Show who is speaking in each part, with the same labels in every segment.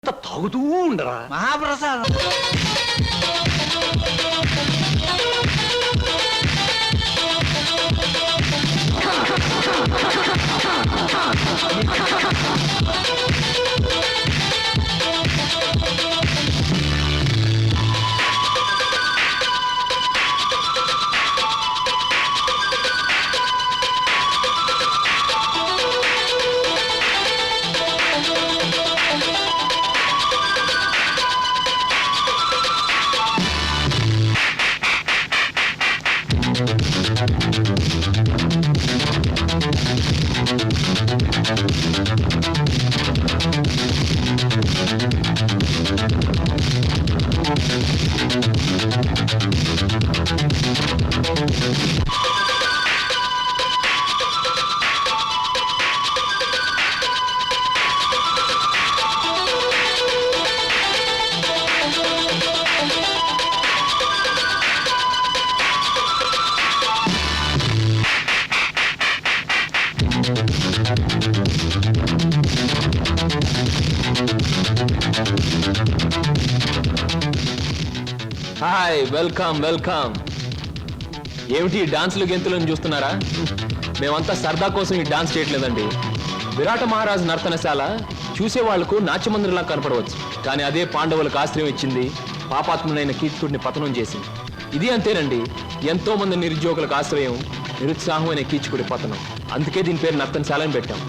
Speaker 1: తాగుతూ ఉండరా
Speaker 2: మహాప్రసాదం.
Speaker 3: Hi, welcome welcome. ఏమిటి డాన్సులు గెంతులను చూస్తున్నారా? మేమంతా సరదా కోసం ఈ డాన్స్ చేయట్లేదండి. విరాట మహారాజు నర్తనశాల చూసే వాళ్లకు నాట్యమందిరంలా కనపడవచ్చు, కానీ అదే పాండవులకు ఆశ్రయం ఇచ్చింది, పాపాత్ముడైన కీచకుడిని పతనం చేసింది. ఇది అంతేనండి, ఎంతో మంది నిరుద్యోగులకు ఆశ్రయం, నిరుత్సాహమైన కీచకుడి పతనం. అందుకే దీని పేరు నర్తనశాల అని పెట్టాం.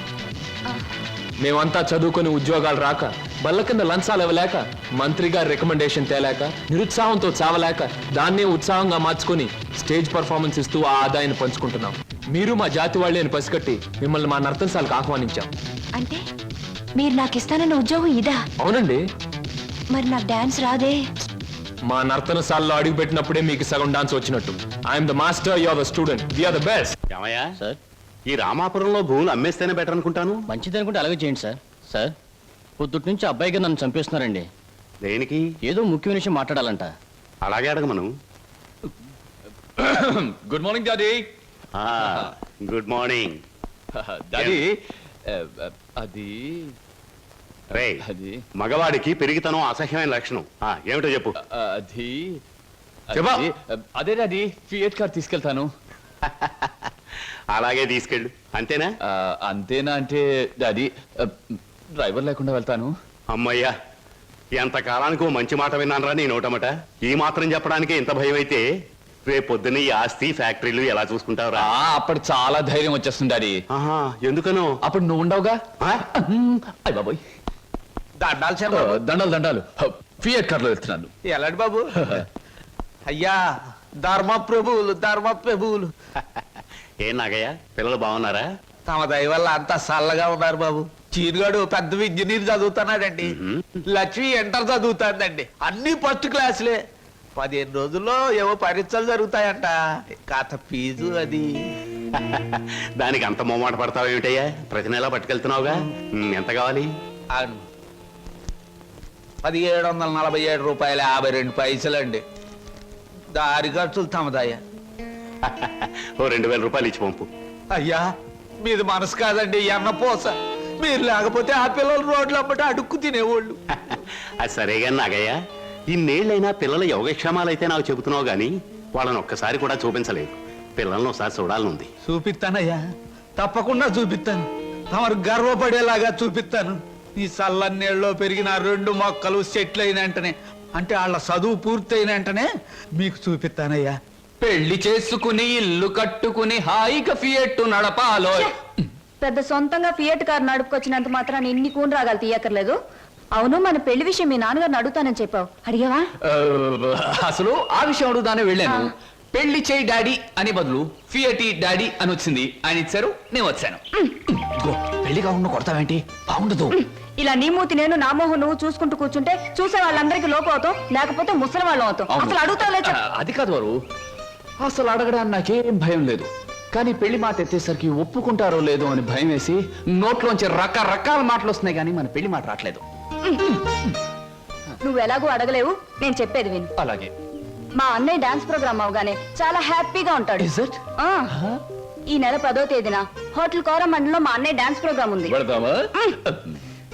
Speaker 3: మేమంతా చదువుకొని ఉద్యోగాలు రాక, బల్ల కింద లంచాలు ఇవ్వలేక, మంత్రి గారి రికమెండేషన్ తేలేక, నిరుత్సాహంతో చావలేక, దాన్నే ఉత్సాహంగా మార్చుకొని స్టేజ్ పర్ఫార్మెన్స్ ఇస్తూ ఆ ఆదాయాన్ని పంచుకుంటున్నాం. మీరు మా జాతి వాళ్ళే అని పసిగట్టి మిమ్మల్ని మా నర్తనశాలకు ఆహ్వానించాం.
Speaker 4: అంటే మీరు నాకు ఇస్తానన్న ఉద్యోగం ఇదా?
Speaker 3: అవునండి.
Speaker 4: మరి నాకు డాన్స్ రాదే?
Speaker 3: మా నర్తనశాలలో అడుగు పెట్టినప్పుడే మీకు సగం డాన్స్ వచ్చినట్టు. I'm the master, you are the student, we are the best.
Speaker 1: ఏమయ్యా
Speaker 2: సార్,
Speaker 1: ఈ రామాపురంలో భూములు అమ్మేస్తేనే బెటర్ అనుకుంటాను.
Speaker 2: మంచిది అనుకుంటే అలాగే చేయండి సార్. సార్, పొద్దుటి నుంచి అబ్బాయిగా నన్ను చంపేస్తున్నారండి.
Speaker 1: దేనికి?
Speaker 2: ఏదో ముఖ్యమైన విషయం మాట్లాడాలంట.
Speaker 1: అలాగే అడగమను.
Speaker 3: Good morning daddy.
Speaker 1: Good morning
Speaker 3: daddy, అది
Speaker 1: రే,
Speaker 3: అది
Speaker 1: మగవాడికి పెరిగితనం అసహ్యమైన లక్షణం. ఏమిటో చెప్పు.
Speaker 3: అది
Speaker 1: చెప్పా.
Speaker 3: అదే డాడీ, ఫియట్ కార్ తీసుకెళ్తాను.
Speaker 1: అలాగే తీసుకెళ్ళు. అంతేనా?
Speaker 3: అంతేనా అంటే డాడీ, డ్రైవర్ లేకుండా వెళ్తాను.
Speaker 1: అమ్మయ్యా, ఎంతకాలానికి ఓ మంచి మాట విన్నానరా నీ నోటమట. ఈ మాత్రం చెప్పడానికే ఇంత భయం అయితే రేపు పొద్దున్న ఈ ఆస్తి ఫ్యాక్టరీలు ఎలా చూసుకుంటావురా?
Speaker 3: అప్పుడు చాలా ధైర్యం వచ్చేస్తుంది డాడీ.
Speaker 1: ఎందుకనో?
Speaker 3: అప్పుడు నువ్వు ఉండవుగా. అయ్య బాబోయ్,
Speaker 2: దండాలు సార్.
Speaker 3: దండాలు దండాలు. ఫియట్ కార్ లో వెళ్తున్నాను.
Speaker 2: ఎలాంటి బాబు? అయ్యా, ధర్మ ప్రభువులు.
Speaker 1: ఏం నాగయ్య, పిల్లలు బాగున్నారా?
Speaker 2: తమ దయ వల్ల అంతా చల్లగా ఉన్నారు బాబు. చీరుగాడు పెద్ద ఇంజనీర్ చదువుతున్నాడండి. లక్ష్మి ఇంటర్ చదువుతాందండి. అన్ని ఫస్ట్ క్లాసులే. 15 రోజుల్లో ఏవో పరీక్షలు జరుగుతాయంట. కాత ఫీజు అది.
Speaker 1: దానికి అంత మొమ్మాట పడతావు ఏమిటయ్యా? ప్రతి నెలా పట్టుకెళ్తున్నావుగా. ఎంత కావాలి?
Speaker 2: 1747 రూపాయల 52 పైసలండి. దారి ఖర్చులు తమదయ్యా.
Speaker 1: ఓ 2000 రూపాయలు ఇచ్చి పంపు.
Speaker 2: అయ్యా, మీది మనసు కాదండి, ఎన్నపోస. మీరు లేకపోతే ఆ పిల్లలు రోడ్లు అమ్మట అడుక్కు తినేవాళ్ళు.
Speaker 1: అది సరేగా నాగయ్య, ఇన్నేళ్ళైనా పిల్లల యోగక్షేమాలైతే నాకు చెబుతున్నావు గాని వాళ్ళని ఒక్కసారి కూడా చూపించలేదు. పిల్లల్ని ఒకసారి చూడాలనుంది.
Speaker 2: చూపిస్తానయ్యా, తప్పకుండా చూపిస్తాను. తమరు గర్వపడేలాగా చూపిస్తాను. ఈ చల్లన్నేళ్ళలో పెరిగిన 2 మొక్కలు సెట్లు అయిన వెంటనే, అంటే వాళ్ళ చదువు పూర్తయిన వెంటనే మీకు చూపిస్తానయ్యా.
Speaker 3: పెళ్లి చేసుకుని ఇల్లు కట్టుకుని హాయిగా ఫియట్ నడపాలో.
Speaker 4: పెద్ద సొంతంగా ఫియట్ కార్ నడుపుకొచ్చినంత మాత్రాన్ని ఇన్ని కూని రాగాలు తీయక్కర్లేదు. అవును, మన పెళ్లి విషయం మీ నాన్నగారిని అడుగుతానని చెప్పావు, అడిగావా?
Speaker 3: అసలు ఆ విషయం అడుగుతానే వెళ్ళాను. పెళ్లి చేయి డాడీ అని బదులు ఫియటి డాడీ అని వచ్చింది. ఆయన ఇచ్చారు, నేను వచ్చాను.
Speaker 2: పెళ్లి కాకుండా కొడతావేంటి? బాగుండదు.
Speaker 4: ఇలా నీ మూతి నేను, నా మోహం నువ్వు చూసుకుంటూ కూర్చుంటే చూసే వాళ్ళందరికీ లోపం అవుతాం, లేకపోతే ముసలి వాళ్ళం అవుతాం. అసలు అడుగుతావులే.
Speaker 3: అది కాదు వారు, అసలు అడగడానికి నాకేం భయం లేదు. కానీ పెళ్లి మాట ఎత్తేసరికి ఒప్పుకుంటారో లేదో అని భయం వేసి నోట్లోంచి రకరకాల మాటలు వస్తున్నాయి, కానీ మన పెళ్లి మాట రావట్లేదు.
Speaker 4: నువ్వు ఎలాగో అడగలేవు, నేను చెప్పేది విను.
Speaker 3: అలాగే.
Speaker 4: మా అన్నయ్య డాన్స్ ప్రోగ్రామ్ అవగానే చాలా హ్యాపీగా ఉంటాడు. ఈ నెల 10వ తేదీన హోటల్ కోరమండలో మా అన్నయ్య డాన్స్ ప్రోగ్రామ్ ఉంది.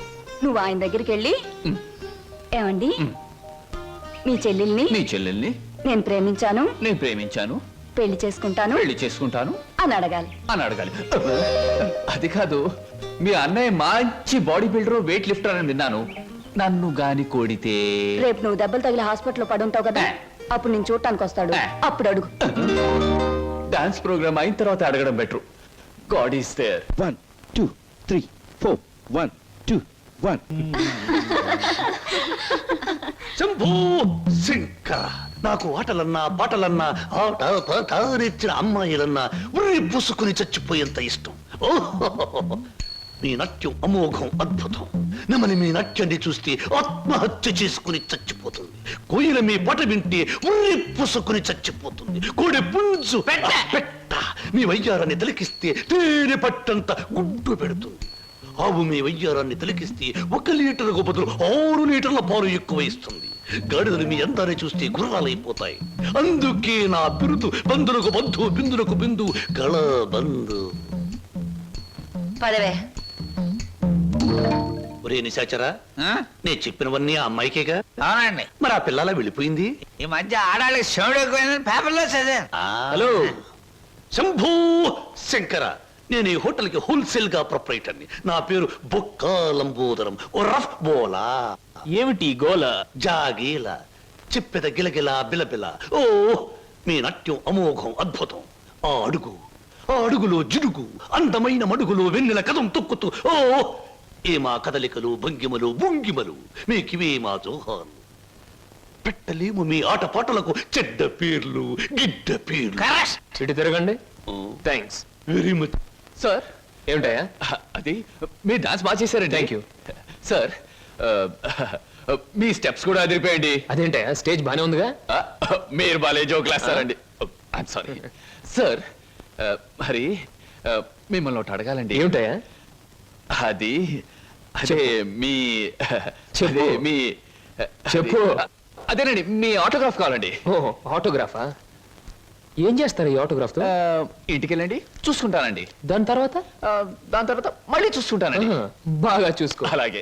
Speaker 4: నువ్వు ఆయన దగ్గరికి వెళ్ళి ఏమండి మీ చెల్లెల్ని
Speaker 5: నీ చెల్లెల్ని
Speaker 4: నేను ప్రేమించాను
Speaker 5: నేను ప్రేమించాను,
Speaker 4: పెళ్లి చేసుకుంటాను
Speaker 5: పెళ్లి చేసుకుంటాను
Speaker 4: అని అడగాలి.
Speaker 5: అని అడగాలి. అది కాదు, మీ అన్నయ్య మంచి బాడీ బిల్డర్, వెయిట్ లిఫ్టర్ అని విన్నాను. నన్ను గాని కోడితే
Speaker 4: రేపు నువ్వు దెబ్బలు తగిలి హాస్పిటల్లో పడుంటావు కదా, అప్పుడు నేను చూడటానికి వస్తాడు, అప్పుడు అడుగు.
Speaker 5: డాన్స్ ప్రోగ్రామ్ అయిన తర్వాత అడగడం better. God is there.
Speaker 6: 1 2 3 4 1 2 1
Speaker 7: Shambhu Shankara, నాకు ఆటలన్నా పాటలన్నా ఆట పాట నేర్చిన అమ్మాయిలన్నా ఉర్రి పూసుకుని చచ్చిపోయేంత ఇష్టం. ఓహో, మీ నాట్యం అమోఘం, అద్భుతం. నమని మీ నాట్యాన్ని చూస్తే ఆత్మహత్య చేసుకుని చచ్చిపోతుంది. కోయిల మీ పాట వింటే ఉర్రి పూసుకుని చచ్చిపోతుంది. కోడి పుంజు పెట్ట మీ వయ్యారాన్ని తిలకిస్తే తేనె పట్టంత గుడ్డు పెడుతుంది. ఆవు మీ వయ్యారాన్ని తిలకిస్తే 1 లీటర్కు బదులు 6 లీటర్ల పాలు ఎక్కువ ఇస్తుంది. గాడిదలు మీ అందాన్ని చూస్తే గుర్రాలైపోతాయి. అందుకే నా బిరుదు బంధులకు బంధు, బిందులకు బిందు, గళ బంధు.
Speaker 4: పదవే.
Speaker 7: ఒరే నిశాచరా, నేను చెప్పినవన్నీ ఆ అమ్మాయికేగా?
Speaker 2: అవునండి.
Speaker 7: మరి ఆ పిల్లలా వెళ్ళిపోయింది?
Speaker 2: ఈ మధ్య ఆడాళ్ళకి శివుడు ఎక్కువైందని పేపర్లో చదివాను.
Speaker 7: హలో శంభూ శంకర, నేను ఈ హోటల్ కి హోల్సేల్ గా ప్రొపరేటర్ని. నా పేరు బొక్క లంబోదరం, ఓ రఫ్ బోలా.
Speaker 3: ఏమిటి గోల?
Speaker 7: జాగీల చిప్పెద గిలగిల బిలబిల. ఓ మీ నాట్యం అమోఘం, అద్భుతం. ఆ అడుగులో జిడుగు, అందమైన మడుగులో వెన్నెల కథం తొక్కుతూ. ఓ ఏ మా కదలికలు, భంగిమలు, భుంగిమలు, మీకివే మా జోహాలు. పెట్టలేము మీ ఆటపాటలకు చెడ్డ పేర్లు, గిడ్డ పేర్లు.
Speaker 3: ఇటు తిరగండి. థ్యాంక్స్.
Speaker 7: Very much.
Speaker 5: సార్
Speaker 3: ఏమిటయ్యా?
Speaker 5: అది మీరు డాన్స్ బాగా చేశారండి.
Speaker 3: Thank you.
Speaker 5: సార్, మీ స్టెప్స్ కూడా అదిరిపోయండి.
Speaker 3: అదేంటయ్యా, స్టేజ్ బానే ఉందిగా?
Speaker 5: మీరు బాలే జోకులు వేస్తారండి. I'm sorry sir. మరి మిమ్మల్ని ఒకటి అడగాలండి.
Speaker 3: ఏమిటయ్యా?
Speaker 5: అది అదే మీ
Speaker 3: చెప్పు.
Speaker 5: అదే మీ
Speaker 3: చెప్పు.
Speaker 5: అదేనండి, మీ ఆటోగ్రాఫ్ కావాలండి.
Speaker 3: ఓ ఆటోగ్రాఫా? ఏం చేస్తారు ఈ ఆటోగ్రాఫ్ తో?
Speaker 5: ఇంటికి వెళ్ళండి, చూసుకుంటానండి.
Speaker 3: దాని తర్వాత?
Speaker 5: దాని తర్వాత మళ్ళీ చూసుకుంటానండి.
Speaker 3: ఆహా, బాగా చూసుకో.
Speaker 5: అలాగే.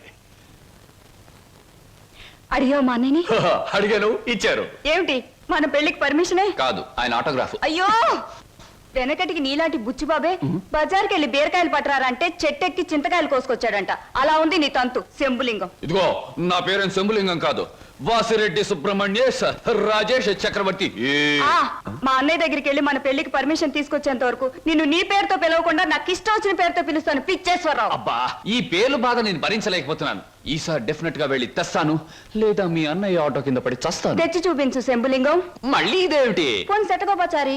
Speaker 4: అడిగావు మా అన్నయ్యని?
Speaker 5: అడిగాను, ఇచ్చారు.
Speaker 4: ఏమిటి మన పెళ్లికి పర్మిషనే?
Speaker 5: కాదు, ఆయన ఆటోగ్రాఫ్.
Speaker 4: అయ్యో, వెనకటికి నీలాంటి బుచ్చిబాబే బజార్కి వెళ్ళి బీరకాయలు పట్టరారంటే చెట్టెక్కి చింతకాయలు కోసుకొచ్చాడంట. అలా ఉంది నీ తంతు శంభులింగం.
Speaker 5: ఇదిగో, నా పేరు శంభులింగం కాదు, వాసిరెడ్డి సుబ్రహ్మణ్యేశ్ రాజేష్ చక్రవర్తి.
Speaker 4: ఆ, మా అన్నయ్య దగ్గరికి వెళ్ళి మన పెళ్లికి పర్మిషన్ తీసుకొచ్చేంత వరకు నిన్ను నీ పేరుతో పిలవకుండా నాకు ఇష్టం వచ్చిన పేరుతో పిలుస్తాను. పిచ్చేశ్వరరావు.
Speaker 5: అబ్బా, ఈ పేర్లు బాధ నేను భరించలేకపోతున్నాను. ఈసారి డెఫినెట్ గా వెళ్ళి తెస్తాను, లేదా మీ అన్నయ్య ఆటో కింద పడి చస్తాను.
Speaker 4: తెచ్చి చూపించు శంభులింగం.
Speaker 5: మళ్ళీ ఇదేమిటి?
Speaker 4: పోనీ సెటగోపచారి.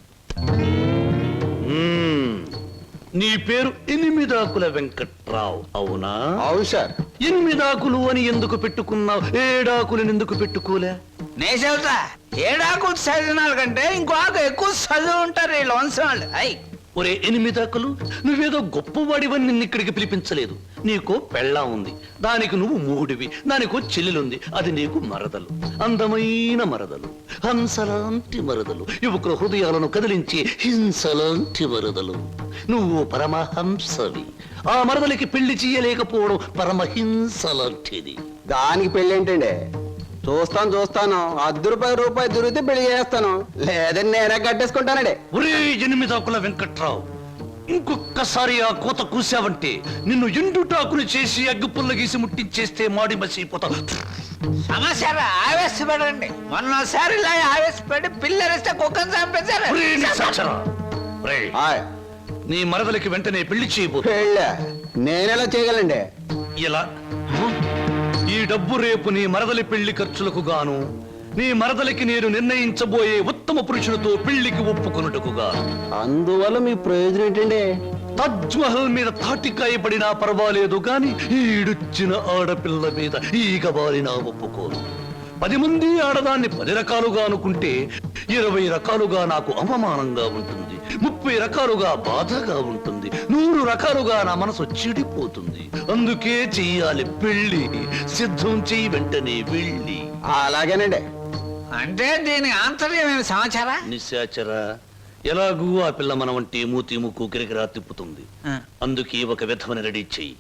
Speaker 7: నీ పేరు ఎనిమిదాకుల వెంకట్రావు, అవునా?
Speaker 6: అవును సార్.
Speaker 7: ఎనిమిదాకులు అని ఎందుకు పెట్టుకున్నావు? ఏడాకులను ఎందుకు పెట్టుకోలే?
Speaker 2: నే చెబుతా, ఏడాకు చదివినాల కంటే ఇంకో ఆకు ఎక్కువ చదువు ఉంటారు వీళ్ళు వంశవాళ్ళు. అయ్
Speaker 7: ఒరే ఎనిమిదాకులు, నువ్వేదో గొప్పవాడివని నిన్ను ఇక్కడికి పిలిపించలేదు. నీకో పెళ్ళా ఉంది, దానికి నువ్వు మూడివి. దానికో చెల్లెలుంది, అది నీకు మరదలు. అందమైన మరదలు, హంసలాంటి మరదలు, యువకుల హృదయాలను కదిలించి హింసలాంటి మరదలు. నువ్వు పరమహంసవి. ఆ మరదలికి పెళ్లి చేయలేకపోవడం పరమహింస లాంటిది.
Speaker 6: దానికి పెళ్ళి ఏంటండి? చూస్తాను ₹10 దొరికితే పెళ్లి చేస్తాను, లేదని నేనే కట్టేసుకుంటానండి.
Speaker 7: ఒరే ఎనిమిదాకుల వెంకట్రావు, ఇంకొక్కసారి ఆ కోత కూసావంటే నిన్ను ఎండుటాకుని చేసి అగ్గిపుల్ల గీసి ముట్టించేస్తే మాడి మసిపోతావు.
Speaker 2: సమస్య ఆవేశపడండి. మొన్నసారి ఇలా ఆవేశపడి పిల్లరిస్తే కుక్కను చంపేశారు.
Speaker 7: ఒరే నిశాచరా, ఒరే,
Speaker 6: హాయ్,
Speaker 7: నీ మరదలికి వెంటనే పెళ్లి చేయబోతు.
Speaker 6: పెళ్ళి నేనెలా చేయగలండి?
Speaker 7: ఇలా ఈ డబ్బు రేపు నీ మరదలి పెళ్లి ఖర్చులకు గాను, నీ మరదలికి నేను నిర్ణయించబోయే ఉత్తమ పురుషులతో పెళ్లికి ఒప్పుకొనుటకు గాను.
Speaker 6: అందువల్ల మీ ప్రయోజనం ఏంటండి?
Speaker 7: తాజ్ మహల్ మీద తాటికాయ పడినా పర్వాలేదు గాని ఈడుచ్చిన ఆడపిల్ల మీద ఈగ బారినా ఒప్పుకోను. 10 మంది ఆడదాన్ని 10 రకాలుగా అనుకుంటే 20 రకాలుగా నాకు అవమానంగా ఉంటుంది, 30 రకాలుగా బాధగా ఉంటుంది, 100 రకాలుగా నా మనసు చెడిపోతుంది. అందుకే చెయ్యాలి పెళ్లి. సిద్ధం చెయ్యి, వెంటనే వెళ్ళి.
Speaker 6: అలాగేనండి.
Speaker 2: అంటే దీని ఆంతర్యమైన సమాచారా?
Speaker 7: నిశాచరా, ఎలాగూ ఆ పిల్ల మన వంటి మూతి ముక్కు కిరికిరా తిప్పుతుంది. అందుకే ఒక విధవని రెడీ చెయ్యి.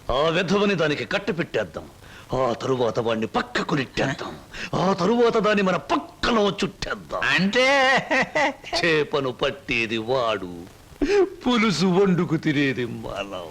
Speaker 7: ఆ విధవని దానికి కట్ట పెట్టేద్దాం. ఆ తరువాత వాడిని పక్కకు నెట్టేద్దాం. ఆ తరువాత దాన్ని మన పక్కలో చుట్టేద్దాం.
Speaker 2: అంటే
Speaker 7: చేపను పట్టేది వాడు, పులుసు వండుకు తినేది మనం.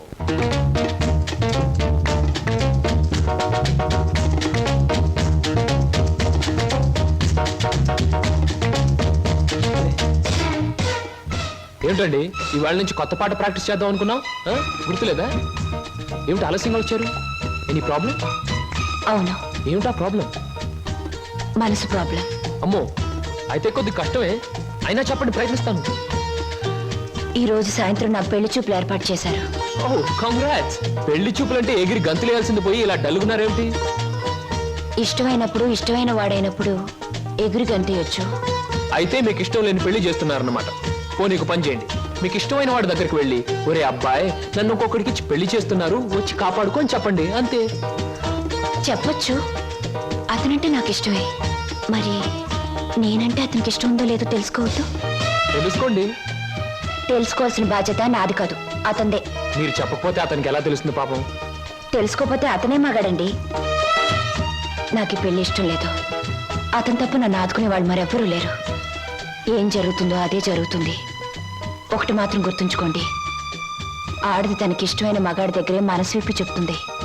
Speaker 3: ఏమిటండి ఇవాళ నుంచి కొత్త పాట ప్రాక్టీస్ చేద్దాం అనుకున్నాం, గుర్తులేదా? ఏమిటి ఆలస్యంగా వచ్చారు? Any problem?
Speaker 8: అవును,
Speaker 3: ఏమిటా ప్రాబ్లం?
Speaker 8: మనసు ప్రాబ్లం.
Speaker 3: అమ్మో, అయితే కొద్ది కష్టమే, అయినా చెప్పండి, ప్రయత్నిస్తాను.
Speaker 8: ఈ రోజు సాయంత్రం నా పెళ్లి చూపులు ఏర్పాటు చేశారు.
Speaker 3: Oh congrats. పెళ్లి చూపులంటే ఎగిరి గంతులేయాల్సింది పోయి ఇలా డల్గున్నారేమిటి?
Speaker 8: ఇష్టమైనప్పుడు ఇష్టమైన వాడైనప్పుడు ఎగురు గంతయొచ్చు.
Speaker 3: అయితే మీకు ఇష్టం లేని పెళ్లి చేస్తున్నారన్నమాట. పోనీకు పని చేయండి, మీకు ఇష్టమైన వాడి దగ్గరికి వెళ్ళి, ఒరే అబ్బాయి నన్ను ఒక్కొక్కడికి ఇచ్చి పెళ్లి చేస్తున్నారు, వచ్చి కాపాడుకొని చెప్పండి, అంతే.
Speaker 8: చెప్పొచ్చు, అతనంటే నాకు ఇష్టమే. మరి నేనంటే అతనికి ఇష్టం ఉందో లేదో తెలుసుకోవద్దు.
Speaker 3: తెలుసుకోండి.
Speaker 8: తెలుసుకోవాల్సిన బాధ్యత నాది కాదు, అతందే.
Speaker 3: మీరు చెప్పకపోతే అతనికి ఎలా తెలుస్తుంది పాపం?
Speaker 8: తెలుసుకోపోతే అతనే మగాడండి. నాకు ఈ పెళ్లి ఇష్టం లేదు. అతని తప్ప నన్ను ఆదుకునే వాళ్ళు మరెవ్వరూ లేరు. ఏం జరుగుతుందో అదే జరుగుతుంది. ఒకటి మాత్రం గుర్తుంచుకోండి, ఆడది తనకి ఇష్టమైన మగాడి దగ్గరే మనసు విప్పి చెప్తుంది.